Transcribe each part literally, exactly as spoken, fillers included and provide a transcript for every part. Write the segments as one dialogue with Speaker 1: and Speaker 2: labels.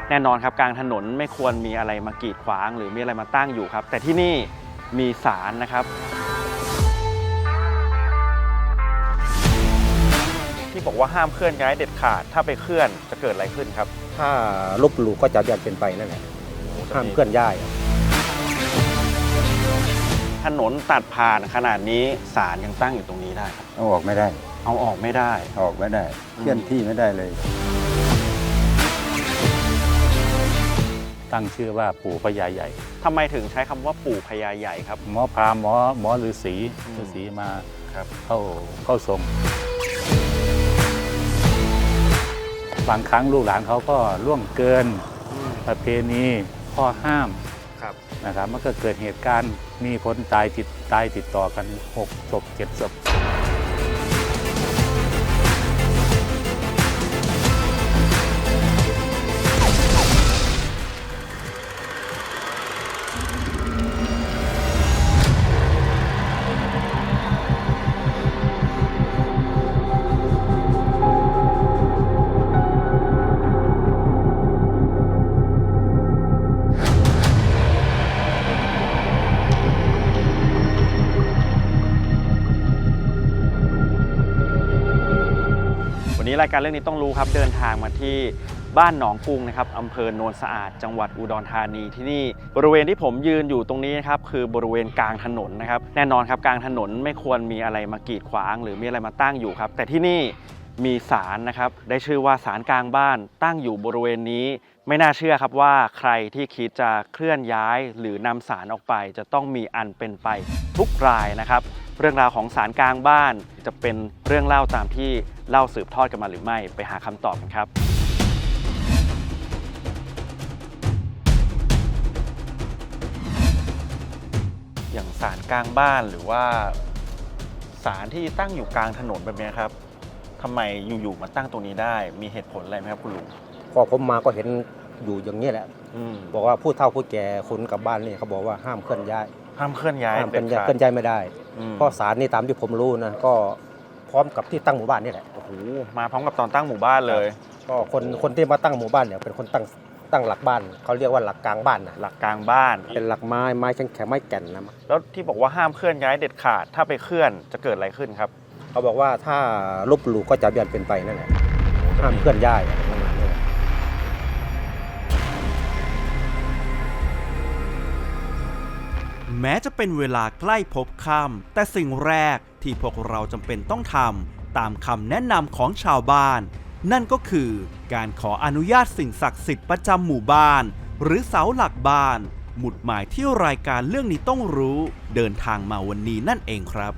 Speaker 1: แน่นอนครับกลางถนนไม่ควรมีอะไรมากีดขวางหรือมีอะไรมาตั้งอยู่ครับแต่ที่นี่มีศาลนะครับที่บอกว่าห้ามเคลื่อนย้ายเด็ดขาดถ้าไปเคลื่อนจะเกิดอะไรขึ้นครับ
Speaker 2: ถ้าลบหลู่ก็จะยังเป็นไปนั่นแหละห้ามเคลื่อนย้าย
Speaker 1: ถนนตัดผ่านขนาดนี้ศาลยังตั้งอยู่ตรงนี้ได้ครับ
Speaker 3: เอาออกไม่ได้
Speaker 1: เอาออกไม่ได้
Speaker 3: ออกไม่ได้เคลื่อนที่ไม่ได้เลย
Speaker 4: ตั้งชื่อว่าปู่พญาใหญ่
Speaker 1: ทำไมถึงใช้คำว่าปู่พญาใหญ่ครับ
Speaker 4: หมอพราหมณ์หมอหมอฤาษีฤาษีมาเข้าเข้าทรงบางครั้งลูกหลานเขาก็ล่วงเกินประเพณีข้อห้ามนะครับมันก็เกิดเหตุการณ์มีคนตายติดตายติดต่อกันหกศพเจ็ดศพ
Speaker 1: วันนี้รายการเรื่องนี้ต้องรู้ครับเดินทางมาที่บ้านหนองกรุงนะครับอำเภอโนนสะอาดจังหวัดอุดรธานีที่นี่บริเวณที่ผมยืนอยู่ตรงนี้นะครับคือบริเวณกลางถนนนะครับแน่นอนครับกลางถนนไม่ควรมีอะไรมากีดขวางหรือมีอะไรมาตั้งอยู่ครับแต่ที่นี่มีศาลนะครับได้ชื่อว่าศาลกลางบ้านตั้งอยู่บริเวณนี้ไม่น่าเชื่อครับว่าใครที่คิดจะเคลื่อนย้ายหรือนำศาลออกไปจะต้องมีอันเป็นไปทุกรายนะครับเรื่องราวของศาลกลางบ้านจะเป็นเรื่องเล่าตามที่เล่าสืบทอดกันมาหรือไม่ไปหาคำตอบกันครับอย่างศาลกลางบ้านหรือว่าศาลที่ตั้งอยู่กลางถนนแบบนี้ครับทำไมอยู่ๆมาตั้งตรงนี้ได้มีเหตุผลอะไรไหมครับคุณลุง
Speaker 2: พอผมมาก็เห็นอยู่อย่างนี้แหละบอกว่าผู้เฒ่าผู้แก่คนกับบ้านนี่เขาบอกว่าห้ามเคลื่อนย้าย
Speaker 1: ห้ามเคลื่อนย้าย
Speaker 2: ห้ามเคลื่อนย้ายเคลื่อนย้ายไม่ได้เพราะศาลนี่ตามที่ผมรู้นะก็พร้อมกับที่ตั้งหมู่บ้านนี่แหละ
Speaker 1: โอ้โหมาพร้อมกับตอนตั้งหมู่บ้านเลย
Speaker 2: ก็คนคนที่มาตั้งหมู่บ้านเนี่ยเป็นคนตั้งตั้งหลักบ้านเขาเรียกว่าหลักกลางบ้านนะ
Speaker 1: หลักกลางบ้าน
Speaker 2: เป็นหลักไม้ไม้แข็งแข็งไม้แก่นนะ
Speaker 1: แล้วที่บอกว่าห้ามเคลื่อนย้ายเด็ดขาดถ้าไปเคลื่อนจะเกิดอะไรขึ้นครับ
Speaker 2: เขาบอกว่าถ้าลบหลู่ก็จะยังเป็นไปนั่นแหละห้ามเคลื่อนย้าย
Speaker 5: แม้จะเป็นเวลาใกล้พบค่ำแต่สิ่งแรกที่พวกเราจำเป็นต้องทำตามคำแนะนำของชาวบ้านนั่นก็คือการขออนุญาตสิ่งศักดิ์สิทธิ์ประจำหมู่บ้านหรือเสาหลักบ้านหมุดหมายที่รายการเรื่องนี้ต้องรู้เดินทางมาวันนี้นั่นเองครับ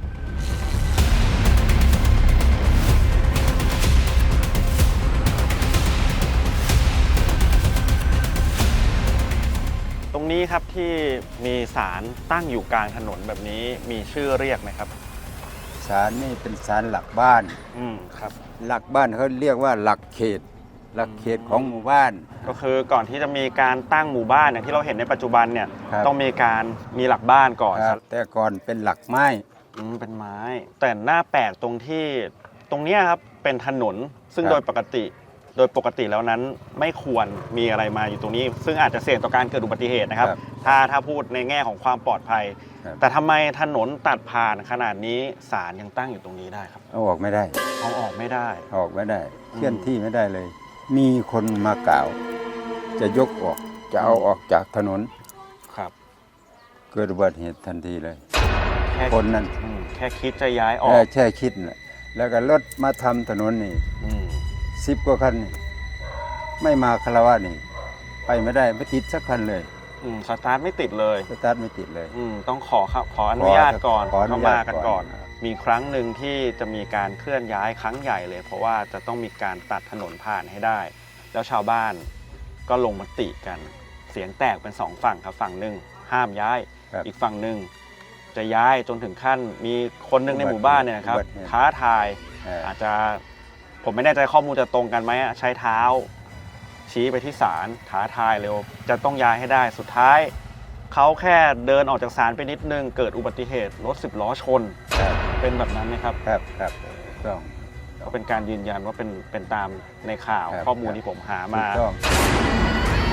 Speaker 1: ตรงนี้ครับที่มีศาลตั้งอยู่กลางถนนแบบนี้มีชื่อเรียกไหมครับ
Speaker 3: ศาลนี่เป็นศาลหลักบ้าน
Speaker 1: อืมครับ
Speaker 3: หลักบ้านเขาเรียกว่าหลักเขตหลักเขตของหมู่บ้าน
Speaker 1: ก็คือก่อนที่จะมีการตั้งหมู่บ้านอย่างที่เราเห็นในปัจจุบันเนี่ยต้องมีการมีหลักบ้านก่อน
Speaker 3: ครับแต่ก่อนเป็นหลักไม้
Speaker 1: อืมเป็นไม้แต่หน้าแปลกตรงที่ตรงนี้ครับเป็นถนนซึ่งโดยปกติโดยปกติแล้วนั้นไม่ควรมีอะไรมาอยู่ตรงนี้ซึ่งอาจจะเสี่ยงต่อการเกิดอุบัติเหตุนะครับถ้าถ้าพูดในแง่ของความปลอดภัยแต่ทำไมถนนตัดผ่านขนาดนี้ศาลยังตั้งอยู่ตรงนี้ได้ครับ
Speaker 3: เอาออกไม่ได้
Speaker 1: เอาออกไม่ได้
Speaker 3: ออกไม่ได้เคลื่อนที่ไม่ได้เลยมีคนมากล่าวจะยกออกจะเอาออกจากถนน
Speaker 1: ครับ
Speaker 3: เกิดอุบัติเหตุทันทีเลยคนนั้น
Speaker 1: แค่คิดจะย้ายออก
Speaker 3: แค่คิดแหละแล้วก็รถมาทำถนนนี่สิบกว่าคันไม่มาคารวะนี่ไปไม่ได้ไม่ติดสักคันเลย
Speaker 1: สตาร์ทไม่ติดเลย
Speaker 3: สตาร์ทไม่ติดเลย
Speaker 1: ต้องขอขออนุญาตก่อนเข้ามากันก่อนมีครั้งหนึ่งที่จะมีการเคลื่อนย้ายครั้งใหญ่เลยเพราะว่าจะต้องมีการตัดถนนผ่านให้ได้แล้วชาวบ้านก็ลงมติกันเสียงแตกเป็นสองฝั่งครับฝั่งหนึ่งห้ามย้ายอีกฝั่งหนึ่งจะย้ายจนถึงขั้นมีคนหนึ่งในหมู่บ้านเนี่ยครับท้าทายอาจจะผมไม่แน่ใจข้อมูลจะตรงกันไหมใช้เท้าชี้ไปที่ศาลท้าทายเร็วจะต้องย้ายให้ได้สุดท้ายเขาแค่เดินออกจากศาลไปนิดนึงเกิดอุบัติเหตุรถสิบล้อชนเป็นแบบนั้นไหมครับ
Speaker 3: ครับครับต้อง
Speaker 1: ก็เป็นการยืนยันว่าเป็นเป็นตามในข่าวข้อมูลที่ผมหามา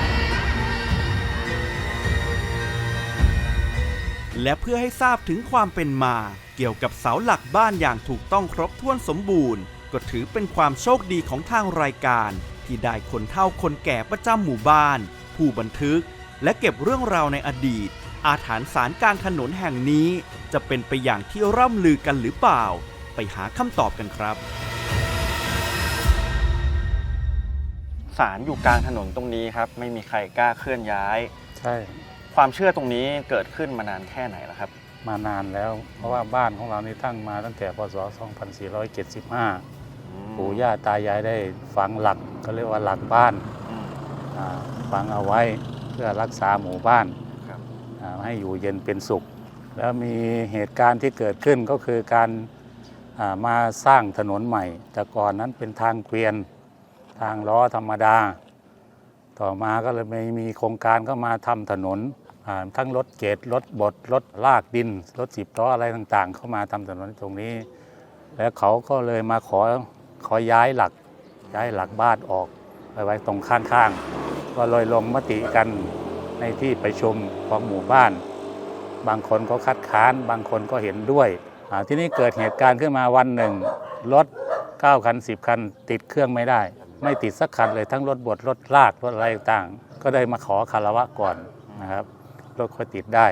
Speaker 5: และเพื่อให้ทราบถึงความเป็นมาเกี่ยวกับเสาหลักบ้านอย่างถูกต้องครบถ้วนสมบูรณ์ก็ถือเป็นความโชคดีของทางรายการที่ได้คนเฒ่าคนแก่ประจำหมู่บ้านผู้บันทึกและเก็บเรื่องราวในอดีตอาถรรพ์ศาลกลางถนนแห่งนี้จะเป็นไปอย่างที่ร่ำลือกันหรือเปล่าไปหาคำตอบกันครับ
Speaker 1: ศาลอยู่กลางถนนตรงนี้ครับไม่มีใครกล้าเคลื่อนย้าย
Speaker 4: ใช่
Speaker 1: ความเชื่อตรงนี้เกิดขึ้นมานานแค่ไหนแล้วครับ
Speaker 4: มานานแล้วเพราะว่าบ้านของเรานี่ตั้งมาตั้งแต่พศสองพันสี่ร้อยเจ็ดสิบห้าปู่ย่าตายายได้ฝังหลักก็เรียกว่าหลักบ้านฝังเอาไว้เพื่อรักษาหมู่บ้านให้อยู่เย็นเป็นสุขแล้วมีเหตุการณ์ที่เกิดขึ้นก็คือการมาสร้างถนนใหม่แต่ก่อนนั้นเป็นทางเกวียนทางล้อธรรมดาต่อมาก็เลยมีโครงการก็มาทำถนนทั้งรถเกตรถบดรถลากดินรถสิบล้ออะไรต่างๆเข้ามาทำถนนตรงนี้แล้วเขาก็เลยมาขอขอย้ายหลักย้ายหลักบ้านออกไปไว้ตรงข้างๆก็เลยลงมติกันในที่ประชุมของหมู่บ้านบางคนก็คัดค้านบางคนก็เห็นด้วยที่นี่เกิดเหตุการณ์ขึ้นมาวันหนึ่งรถเก้าคันสิบคันติดเครื่องไม่ได้ไม่ติดสักคันเลยทั้งรถบดรถลากรถอะไรต่างก็ได้มาขอคารวะก่อนนะครับรถค่อยติดได้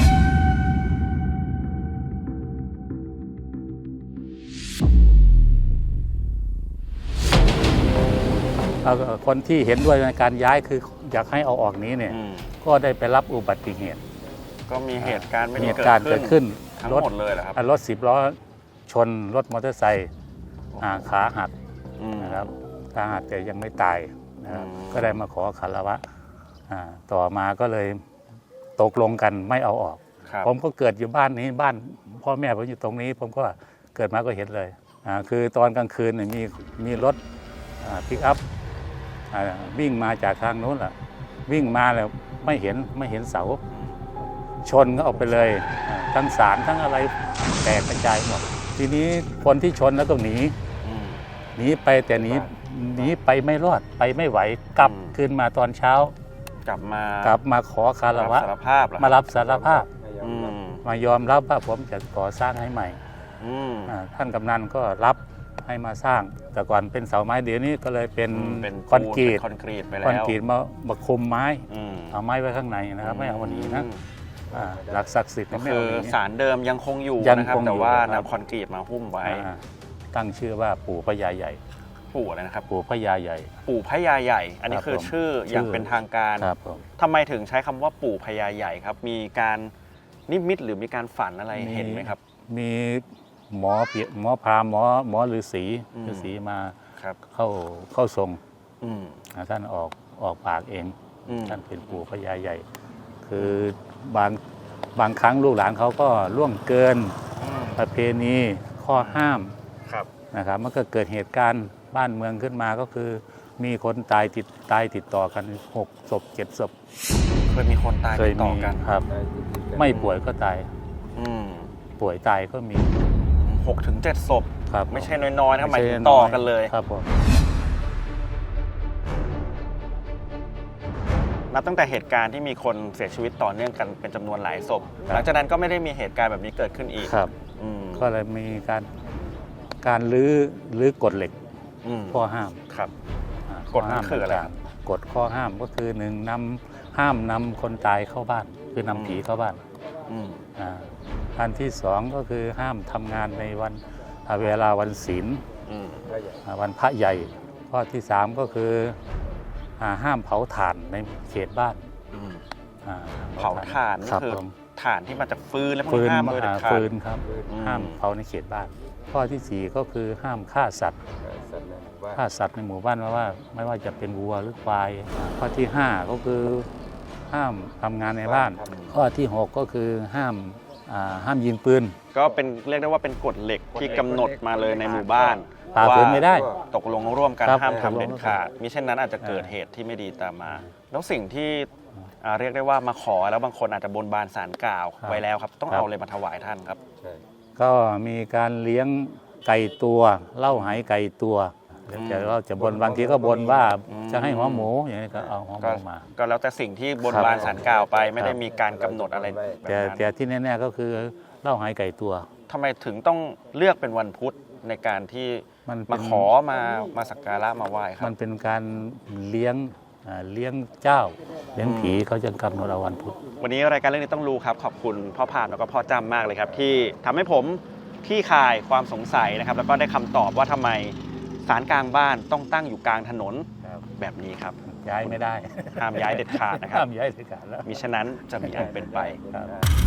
Speaker 4: คนที่เห็นด้วยในการย้ายคืออยากให้เอาออกนี้เนี่ยก็ได้ไปรับอุบัติเหตุ
Speaker 1: ก็มีเหตุการณ์ไม่ดี
Speaker 4: เกิดขึ้น
Speaker 1: ทั้งหมดเลยเหรอครับ
Speaker 4: รถสิบล้อชนรถมอเตอร์ไซค์ขาหักนะครับขาหักแต่ยังไม่ตายนะครับก็ได้มาขอคารวะต่อมาก็เลยตกลงกันไม่เอาออกผมก็เกิดอยู่บ้านนี้บ้านพ่อแม่ผมอยู่ตรงนี้ผมก็เกิดมาก็เห็นเลยคือตอนกลางคืนมีมีรถปิกอัพวิ่งมาจากทางโน้นแหละวิ่งมาแล้วไม่เห็นไม่เห็นเสาชนก็ออกไปเลยทั้งสารทั้งอะไรแตกกระจายหมดทีนี้คนที่ชนแล้วก็หนีหนีไปแต่หนีหนีไปไม่รอดไปไม่ไหวกลับคืนมาตอนเช้าก
Speaker 1: ลับมาก
Speaker 4: ลับมาขอคารวะมารับสารภาพมายอมรับว่าผมจะก่อสร้างให้ใหม่ท่านกำนันก็รับให้มาสร้างแต่ก่อนเป็นเสาไม้เดี๋ยวนี้ก็เลยเป็นคอนกรีต
Speaker 1: คอนกรีตไปแล้ว
Speaker 4: คอนกรีตมามาคุมไม้เอาไม้ไว้ข้างในนะครับไม่เอาวันนี้นะหลักศักดิ์สิทธิ์
Speaker 1: ก็คือศาลเดิมยังคงอยู่นะครับแต่ว่านำคอนกรีตมาหุ้มไว้
Speaker 4: ตั้งชื่อว่าปู่พญาใหญ่
Speaker 1: ปู่อะไรนะครับ
Speaker 4: ปู่พญาใหญ่
Speaker 1: ปู่พญาใหญ่อันนี้คือชื่ออย่างเป็นทางการทำไมถึงใช้คำว่าปู่พญาใหญ่ครับมีการนิมิตหรือมีการฝันอะไรเห็นไหมครับ
Speaker 4: มีหมอหมอพราหมณ์หมอหมอฤาษีฤาษีมาเข้าเข้าทรงท่านออกออกปากเองท่านเป็นปู่พญาใหญ่คือบางบางครั้งลูกหลานเขาก็ล่วงเกินประเพณีข้อห้ามนะครับมันก็เกิดเหตุการณ์บ้านเมืองขึ้นมาก็คือมีคนตายติดตายติดต่อกันหกศพเจ็ดศพ
Speaker 1: เคยมีคนตายติดต่อกัน
Speaker 4: ครับไม่ป่วยก็ตายป่วยตายก็มี
Speaker 1: หกถึงเจ็ดศพ
Speaker 4: ครับ
Speaker 1: ไม่ใช่น้อยๆนะหมายถึงต่อกันเลย
Speaker 4: ครับผม
Speaker 1: นับตั้งแต่เหตุการณ์ที่มีคนเสียชีวิตต่อเนื่องกันเป็นจำนวนหลายศพหลังจากนั้นก็ไม่ได้มีเหตุการณ์แบบนี้เกิดขึ้นอีก
Speaker 4: ครับก็เลยมีการการลื้อลื้อกฎเหล็กข้อห้าม
Speaker 1: ครับกฎห้ามคืออะไร
Speaker 4: กฎข้อห้ามก็คือหนึ่งนำห้ามนำคนตายเข้าบ้านคือนำผีเข้าบ้านอันที่สองก็คือห้ามทำงานในวันเวลาวันศีลวันพระใหญ่ข้อที่สามก็คือห้ามเผาถ่านในเขตบ้าน
Speaker 1: เผาถ่านก็คือถ่านที่มาจากฟืนและ
Speaker 4: ฟืนฟืนครับห้ามเผาในเขตบ้านข้อที่สี่ก็คือห้ามฆ่าสัตว์ฆ่าสัตว์ในหมู่บ้านว่าไม่ว่าจะเป็นวัวหรือควายข้อที่ห้าก็คือห้ามทำงานในบ้านข้อที่หกก็คือห้ามห้ามยิงปืน
Speaker 1: ก็เป็นเรียกได้ว่าเป็นกฎเหล็กที่กำหนดมาเลยในหมู่บ้าน
Speaker 4: ฝ่าฝืนไม่ได้
Speaker 1: ตกลงร่วมกันห้ามทำเด็ดขาดมิเช่นนั้นอาจจะเกิดเหตุที่ไม่ดีตามมาแล้วสิ่งที่เรียกได้ว่ามาขอแล้วบางคนอาจจะบนบานศาลกล่าวไว้แล้วครับต้องเอาอะไรมาถวายท่านครับ
Speaker 4: ก็มีการเลี้ยงไก่ตัวเล่าไหไก่ตัวแล้วแต่เราจะบนบางทีก็บนว่า
Speaker 1: อืม
Speaker 4: จะให้หัวหมูอย่างนี้ก็เอาหัวห
Speaker 1: ก็
Speaker 4: มูมา
Speaker 1: ก็แล้วแต่สิ่งที่บน
Speaker 4: ครับ
Speaker 1: บานศาลกล่าวไปไม่
Speaker 4: ครับ
Speaker 1: ได้มีการกำหนดอะไรแบบ
Speaker 4: แต่
Speaker 1: นั้น
Speaker 4: แต่ที่แน่ๆก็คือเหล้าหายไก่ตัว
Speaker 1: ทำไมถึงต้องเลือกเป็นวันพุธในการที่
Speaker 4: มันเป็
Speaker 1: มาน ขอมามาสักการะมาไหว้ครั
Speaker 4: มั
Speaker 1: บ
Speaker 4: นเป็นการเลี้ยงอ่าเลี้ยงเจ้า เลี้ยง
Speaker 1: อืม
Speaker 4: ผีเขาจะกำหนดเอาวันพุธ
Speaker 1: วันนี้รายการเรื่องนี้ต้องรู้ครับขอบคุณพ่อพามแล้วก็พ่อจำมากเลยครับ ที่ทำให้ผมคลี่คลายความสงสัยนะครับ แล้วก็ได้คำตอบว่าทำไมศาลกลางบ้านต้องตั้งอยู่กลางถนนแบบนี้ครับ
Speaker 4: ย้ายไม่ได้
Speaker 1: ห้ามย้ายเด็ดขาดนะครับ
Speaker 4: ห้ามย้ายเด็ดขาดแล้ว
Speaker 1: มิฉะนั้นจะมีอันเป็นไป
Speaker 4: ครับ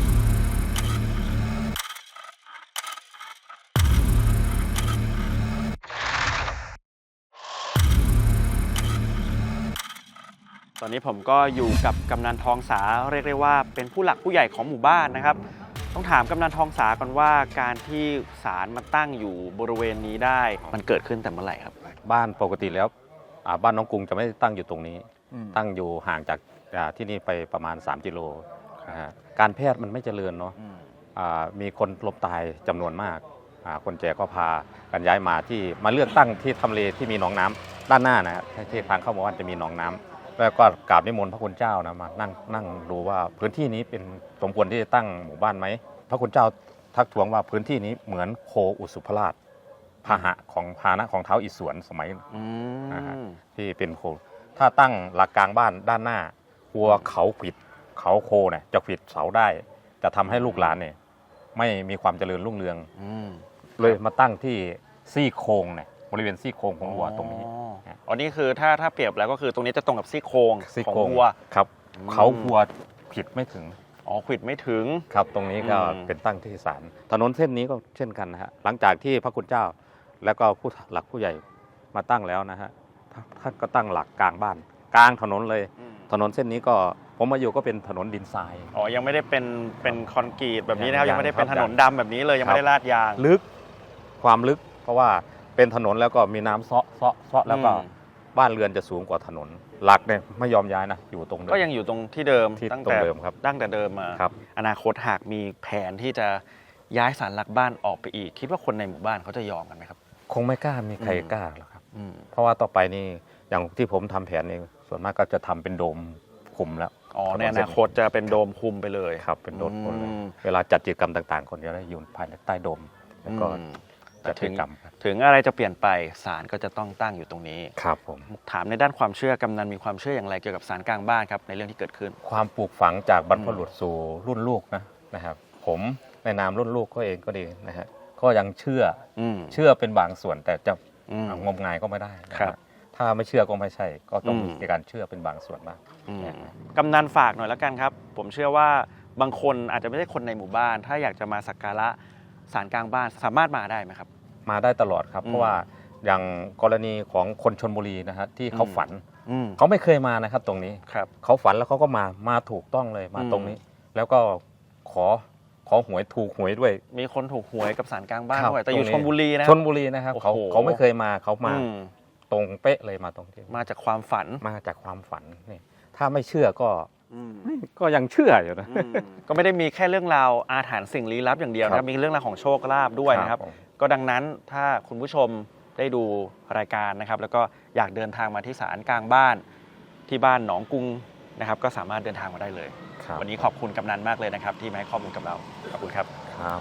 Speaker 1: ตอนนี้ผมก็อยู่กับกำนันทองสาเรียกได้ว่าเป็นผู้หลักผู้ใหญ่ของหมู่บ้านนะครับ ต้องถามกำนันทองสาก่อนว่าการที่ศาลมาตั้งอยู่บริเวณนี้ได้มันเกิดขึ้นแต่เมื่อไหร่ครับ
Speaker 6: บ้านปกติแล้วอ่าบ้านน้องกรุงจะไม่ได้ตั้งอยู่ตรงนี้ ตั้งอยู่ห่างจากอ่าที่นี่ไปประมาณสามกิโลนะฮะการแพทย์มันไม่เจริญเนาะอ่ามีคนล้มตายจำนวนมากอ่าคนแก่ก็พากันย้ายมาที่มาเลือกตั้งที่ทำเลที่มีหนองน้ำด้านหน้านะฮะที่ทางเข้าหมู่บ้านจะมีหนองน้ำแล้วก็กราบนิมนต์พระคุณเจ้านะมานั่งนั่งดูว่าพื้นที่นี้เป็นสมควรที่จะตั้งหมู่บ้านไหมพระคุณเจ้าทักท้วงว่าพื้นที่นี้เหมือนโคอุสุภราชพาหะของพาหนะของเท้าวอิศวรสมัย
Speaker 1: อื
Speaker 6: อ่าฮะ
Speaker 1: ม
Speaker 6: ที่เป็นโคถ้าตั้งหลักกลางบ้านด้านหน้ากลัวเขาขวิดเขาโคเนี่ยจะขวิดเสาได้ จะทำให้ลูกหลานเนี่ยไม่มีความเจริญรุ่งเรือง
Speaker 1: อืม
Speaker 6: เลยมาตั้งที่ซี่โครงเนี่ยบริเวณซี่โครงของวัวตรงนี้
Speaker 1: อ๋ออ๋อนี่คือถ้าถ้าเปรียบแล้วก็คือตรงนี้จะตรงกับซี่โครง
Speaker 6: ซี่
Speaker 1: ของ
Speaker 6: โครง
Speaker 1: วัว
Speaker 6: ครับ
Speaker 1: อืม
Speaker 6: เขาวัวขวิดไม่ถึง
Speaker 1: อ๋อขวิดไม่ถึง
Speaker 6: ครับตรงนี้ก็
Speaker 1: อืม
Speaker 6: เป็นตั้งที่ศาลถนนเส้นนี้ก็เช่นกันนะฮะหลังจากที่พระคุณเจ้า แล้วก็ผู้หลักผู้ใหญ่มาตั้งแล้วนะฮะท่านก็ตั้งหลักกลางบ้าน กลางถนนเลย
Speaker 1: อืม
Speaker 6: ถนนเส้นนี้ก็ผมมาอยู่ก็เป็นถนนดินทราย
Speaker 1: อ๋อยังไม่ได้เป็นเป็นคอนกรีตแบบนี้นะครับ
Speaker 6: ยั
Speaker 1: ยัง
Speaker 6: ง
Speaker 1: ไม่ได้เป็น
Speaker 6: ครั
Speaker 1: ถ
Speaker 6: บ
Speaker 1: นนดำแบบนี้เลยยังไม่ได้ลาดยาง
Speaker 6: ลึกความลึก เพราะว่าเป็นถนนแล้วก็มีน้ำเซาะเซาะเซาะแล้วก็
Speaker 1: อืม
Speaker 6: บ้านเรือนจะสูงกว่าถนน หลักเนี่ยไม่ยอมย้ายนะอยู่ตรงเดิม
Speaker 1: ก็ยังอยู่ตรงที่เดิม
Speaker 6: ที่
Speaker 1: ตั้ง
Speaker 6: ตร
Speaker 1: แต่
Speaker 6: งเดิมครับ
Speaker 1: ตั้งแต่เดิมมา
Speaker 6: ครับ
Speaker 1: อนาคตหากมีแผนที่จะย้ายศาลหลักบ้านออกไปอีก คิดว่าคนในหมู่บ้านเขาจะยอมกันไหมครับ
Speaker 6: คงไม่กล้ามีใคร
Speaker 1: อืม
Speaker 6: กล้าหรอกครับ
Speaker 1: อืม
Speaker 6: เพราะว่าต่อไปนี่อย่างที่ผมทำแผนนี่ส่วนมากก็จะทำเป็นโดมคุมแล้ว
Speaker 1: อ๋อในอนาคตจะเป็นโดมคุมไปเลย
Speaker 6: ครับเป็นโดมคุมเลย
Speaker 1: อืม
Speaker 6: เวลาจัดกิจกรรมต่างๆ คนจะได้อยู่ภายในใต้โดมแล้วก็
Speaker 1: อืม
Speaker 6: จัดกิจกรรมครับ
Speaker 1: ถึงอะไรจะเปลี่ยนไปศาลก็จะต้องตั้งอยู่ตรงนี้
Speaker 6: ครับผม
Speaker 1: ถามในด้านความเชื่อกำนันมีความเชื่ออย่างไรเกี่ยวกับศาลกลางบ้านครับในเรื่องที่เกิดขึ้น
Speaker 6: ความปลูกฝังจากบรรพบุรุษสู่รุ่นลูกนะนะครับผมในนามรุ่นลูกก็เองก็ดีนะฮะก็ยังเชื่อ
Speaker 1: อืม
Speaker 6: เชื่อเป็นบางส่วนแต่จะ
Speaker 1: อืม
Speaker 6: งมงายก็ไม่ได้นะครับ ถ้าไม่เชื่อก็ไม่ใช่ ก็ต้อง
Speaker 1: อืม
Speaker 6: มีการเชื่อเป็นบางส่วนบ้าง
Speaker 1: อืมกำนันฝากหน่อยแล้วกันครับ ผมเชื่อว่าบางคนอาจจะไม่ใช่คนในหมู่บ้าน ถ้าอยากจะมาสักการะศาลกลางบ้านสามารถมาได้ไหมครับ
Speaker 6: มาได้ตลอดครับ
Speaker 1: อืม
Speaker 6: เพราะว่าอย่างกรณีของคนชนบุรีนะฮะที่เขา
Speaker 1: อืม
Speaker 6: ฝัน
Speaker 1: อืม
Speaker 6: เขาไม่เคยมานะครับ ตรงนี้
Speaker 1: ครับ
Speaker 6: เขาฝันแล้วเขาก็มามาถูกต้องเลยมา
Speaker 1: อืม
Speaker 6: ตรงนี้ แล้วก็ขอขอหวยถูกหวยด้วย
Speaker 1: มีคนถูกหวยกับศาลกลางบ้าน
Speaker 6: ครับ
Speaker 1: ด้วยแต่อยู่
Speaker 6: ตรงนี้
Speaker 1: ชลบุรีนะ
Speaker 6: ชนบุรีนะครับเขา
Speaker 1: โอ้โห
Speaker 6: เขาไม่เคยมาเขามา
Speaker 1: อืม
Speaker 6: ตรงเป๊ะเลยมาตรงที่
Speaker 1: มาจากความฝัน
Speaker 6: มาจากความฝันนี่ถ้าไม่เชื่อก็
Speaker 1: อืม
Speaker 6: ก็ยังเชื่ออยู่นะ
Speaker 1: อืมก็ไม่ได้มีแค่เรื่องราวอาถรรพ์สิ่งลี้ลับอย่างเดียวนะครับมีเรื่องราวของโชคลาภด้วยนะครับ
Speaker 6: ผม
Speaker 1: ก็ดังนั้นถ้าคุณผู้ชมได้ดูรายการนะครับ แล้วก็อยากเดินทางมาที่ศาลกลางบ้านที่บ้านหนองกรุงนะครับ ก็สามารถเดินทางมาได้เลย
Speaker 6: ครับ
Speaker 1: วันนี้ขอบคุณกำนันมากเลยนะครับ ที่มาให้ข้อมูลกับเราขอบคุณครับ
Speaker 6: ครับ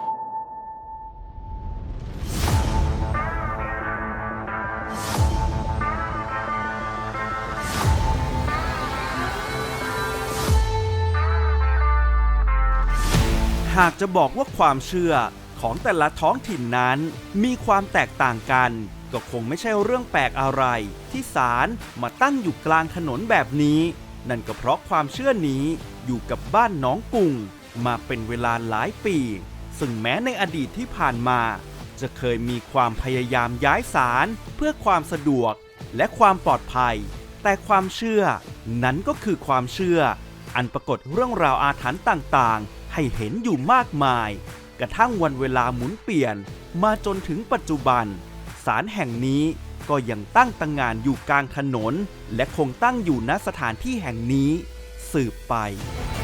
Speaker 5: หากจะบอกว่าความเชื่อของแต่ละท้องถิ่นนั้นมีความแตกต่างกัน ก็คงไม่ใช่เรื่องแปลกอะไรที่ศาลมาตั้งอยู่กลางถนนแบบนี้ นั่นก็เพราะความเชื่อนี้อยู่กับบ้านหนองกุงมาเป็นเวลาหลายปี ซึ่งแม้ในอดีตที่ผ่านมา จะเคยมีความพยายามย้ายศาลเพื่อความสะดวกและความปลอดภัย แต่ความเชื่อนั้นก็คือความเชื่อ อันปรากฏเรื่องราวอาถรรพ์ต่างๆ ให้เห็นอยู่มากมาย กระทั่งวันเวลาหมุนเปลี่ยนมาจนถึงปัจจุบันศาลแห่งนี้ก็ยังตั้งตระหง่านอยู่กลางถนน และคงตั้งอยู่ณสถานที่แห่งนี้สืบไป